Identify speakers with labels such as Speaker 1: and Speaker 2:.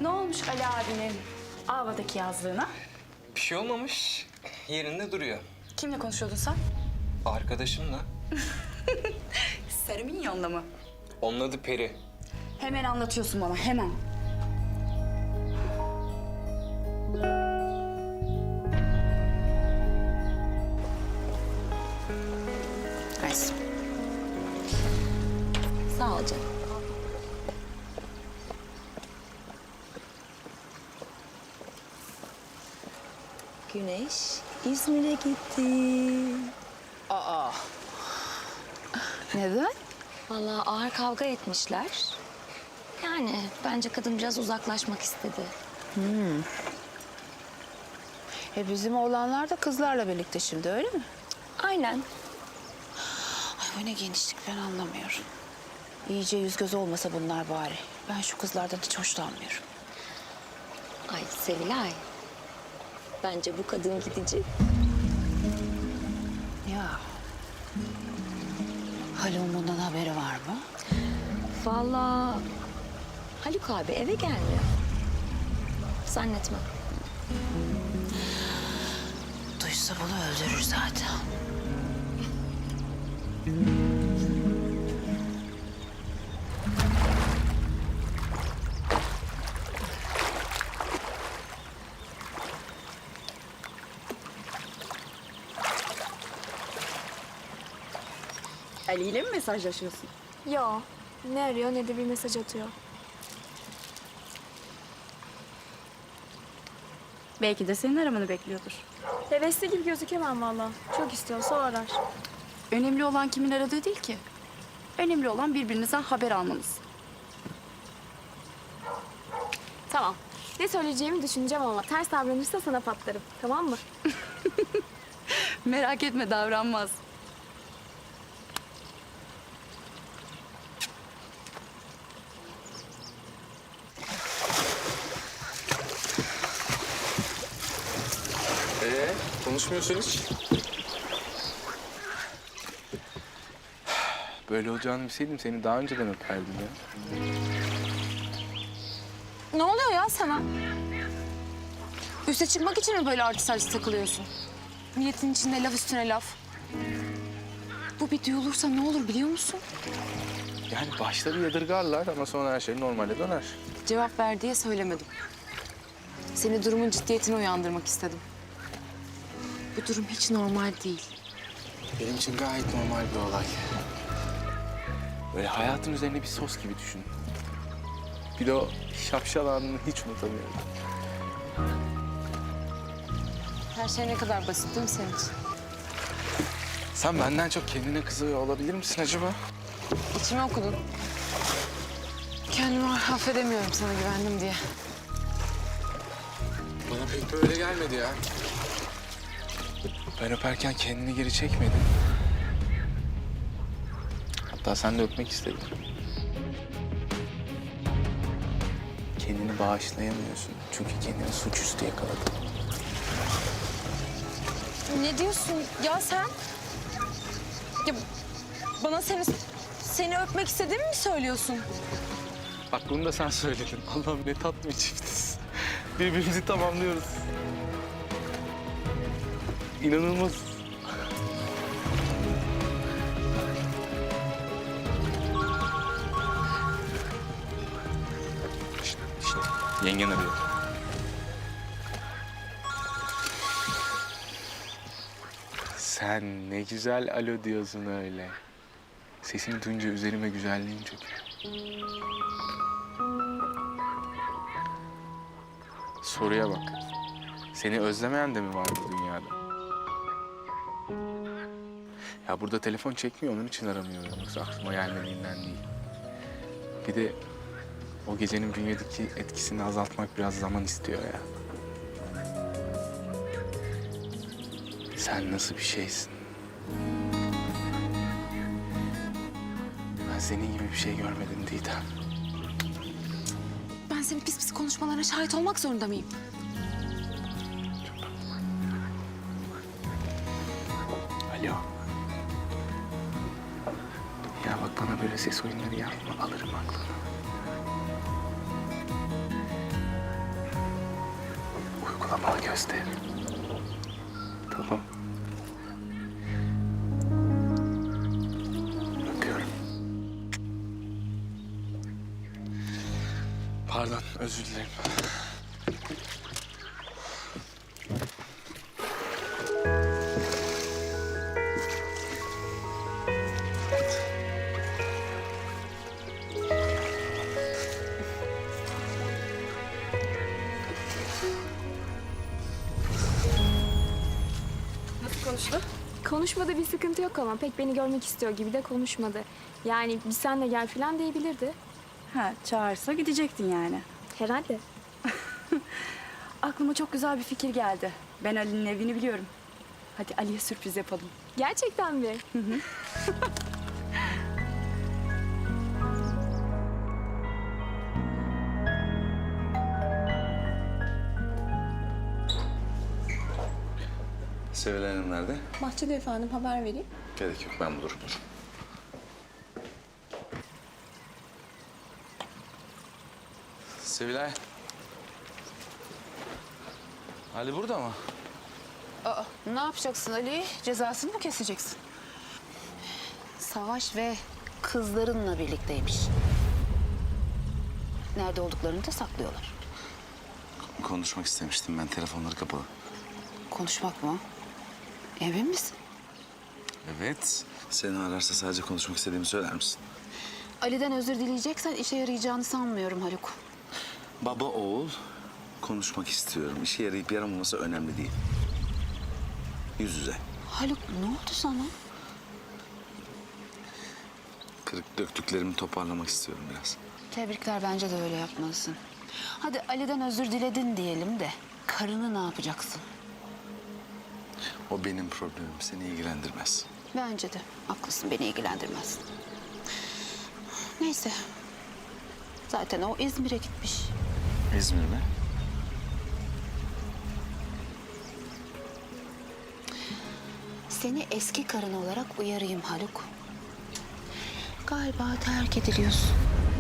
Speaker 1: Ne olmuş Ali abinin Ava'daki yazlığına?
Speaker 2: Bir şey olmamış. Yerinde duruyor.
Speaker 1: Kimle konuşuyordun sen?
Speaker 2: Arkadaşımla.
Speaker 1: Sarı Minyon'la mı?
Speaker 2: Onun adı Peri.
Speaker 1: Hemen anlatıyorsun bana, hemen. Neyse.
Speaker 3: Sağ ol canım. Güneş İzmir'e gitti.
Speaker 1: Neden?
Speaker 3: Vallahi ağır kavga etmişler. Yani bence kadın biraz uzaklaşmak istedi.
Speaker 4: Bizim oğlanlar da kızlarla birlikte şimdi, öyle mi?
Speaker 3: Aynen.
Speaker 4: Ay bu ne genişlik, ben anlamıyorum. İyice yüz göz olmasa bunlar bari. Ben şu kızlardan hiç hoşlanmıyorum.
Speaker 3: Ay Sevilay. Bence bu kadın gidici.
Speaker 4: Ya. Haluk'un bundan haberi var mı?
Speaker 3: Vallahi Haluk abi eve gelmiyor. Zannetmem.
Speaker 4: Duysa bunu öldürür zaten.
Speaker 1: Ali ile mi mesajlaşıyorsun?
Speaker 5: Yo, ne arıyor ne de bir mesaj atıyor.
Speaker 1: Belki de senin aramanı bekliyordur.
Speaker 5: Hevesli gibi gözükemem valla. Çok istiyorsa o arar.
Speaker 1: Önemli olan kimin aradığı değil ki. Önemli olan birbirinizden haber almanız.
Speaker 5: Tamam. Ne söyleyeceğimi düşüneceğim ama ters davranırsa sana patlarım. Tamam mı?
Speaker 1: Merak etme, davranmaz.
Speaker 6: Konuşmuyorsun hiç. Böyle olacağını bilseydim seni daha önceden öperdim ya.
Speaker 4: Ne oluyor ya sana? Üste çıkmak için mi böyle artist artist takılıyorsun? Milletin içinde laf üstüne laf. Bu bir duyulursa ne olur biliyor musun?
Speaker 6: Yani başta bir yadırgarlar ama sonra her şey normale döner.
Speaker 4: Cevap ver diye söylemedim. Seni durumun ciddiyetine uyandırmak istedim. Bu durum hiç normal değil.
Speaker 6: Benim için gayet normal bir olay. Böyle hayatın üzerine bir sos gibi düşün. Bir de o şapşal anını hiç unutamıyorum.
Speaker 4: Her şey ne kadar basit değil mi senin için?
Speaker 6: Sen benden çok kendine kızıyor olabilir misin acaba?
Speaker 4: İçime okudun. Kendimi affedemiyorum sana güvendim diye.
Speaker 6: Bana pek de öyle gelmedi ya. Ben öperken kendini geri çekmedin. Hatta sen de öpmek istedin. Kendini bağışlayamıyorsun. Çünkü kendini suçüstü yakaladın.
Speaker 4: Ne diyorsun ya sen? Ya bana seni öpmek istediğimi mi söylüyorsun?
Speaker 6: Bak bunu da sen söyledin. Allah'ım ne tatlı bir çiftiz. Birbirimizi tamamlıyoruz. İnanılmaz. Şişt, yengen arıyor. Sen ne güzel alo diyorsun öyle. Sesini duyunca üzerime güzelliğin çöküyor. Soruya bak. Seni özlemeyen de mi var bu dünyada? Ya burada telefon çekmiyor, onun için aramıyorum. Yoksa aklıma gelmediğinden değil. Bir de o gecenin bünyedeki etkisini azaltmak biraz zaman istiyor ya. Sen nasıl bir şeysin? Ben senin gibi bir şey görmedim Didem.
Speaker 4: Ben senin pis pis konuşmalarına şahit olmak zorunda mıyım?
Speaker 6: Alo. Ya bak bana böyle ses oyunları yapma, alırım aklını. bana göster. Tamam. Öpüyorum. Pardon, özür dilerim.
Speaker 1: Nasıl konuştu?
Speaker 5: Konuşmada bir sıkıntı yok ama pek beni görmek istiyor gibi de konuşmadı. Yani bir sen de gel falan diyebilirdi.
Speaker 1: Ha, çağırsa gidecektin yani.
Speaker 5: Herhalde.
Speaker 1: Aklıma çok güzel bir fikir geldi. Ben Ali'nin evini biliyorum. Hadi Ali'ye sürpriz yapalım.
Speaker 5: Gerçekten mi?
Speaker 7: Sevilay Hanım nerede?
Speaker 8: Bahçede efendim, haber vereyim.
Speaker 7: Gerek yok, ben bulurum. Sevilay. Ali burada mı?
Speaker 4: Aa, ne yapacaksın Ali? Cezasını mı keseceksin? Savaş ve kızlarınla birlikteymiş. Nerede olduklarını da saklıyorlar.
Speaker 7: Konuşmak istemiştim ben, telefonları kapalı.
Speaker 4: Konuşmak mı? Emin misin?
Speaker 7: Evet. Seni ararsa sadece konuşmak istediğimi söyler misin?
Speaker 4: Ali'den özür dileyeceksen işe yarayacağını sanmıyorum Haluk.
Speaker 7: Baba oğul konuşmak istiyorum. İşe yarayıp yaramaması önemli değil. Yüz yüze.
Speaker 4: Haluk ne oldu sana?
Speaker 7: Kırık döktüklerimi toparlamak istiyorum biraz.
Speaker 4: Tebrikler, bence de öyle yapmalısın. Hadi Ali'den özür diledin diyelim de karını ne yapacaksın?
Speaker 7: O benim problemim, seni ilgilendirmez.
Speaker 4: Bence de haklısın, beni ilgilendirmez. Neyse. Zaten o İzmir'e gitmiş.
Speaker 7: İzmir mi?
Speaker 4: Seni eski karın olarak uyarayım Haluk. Galiba terk ediliyorsun.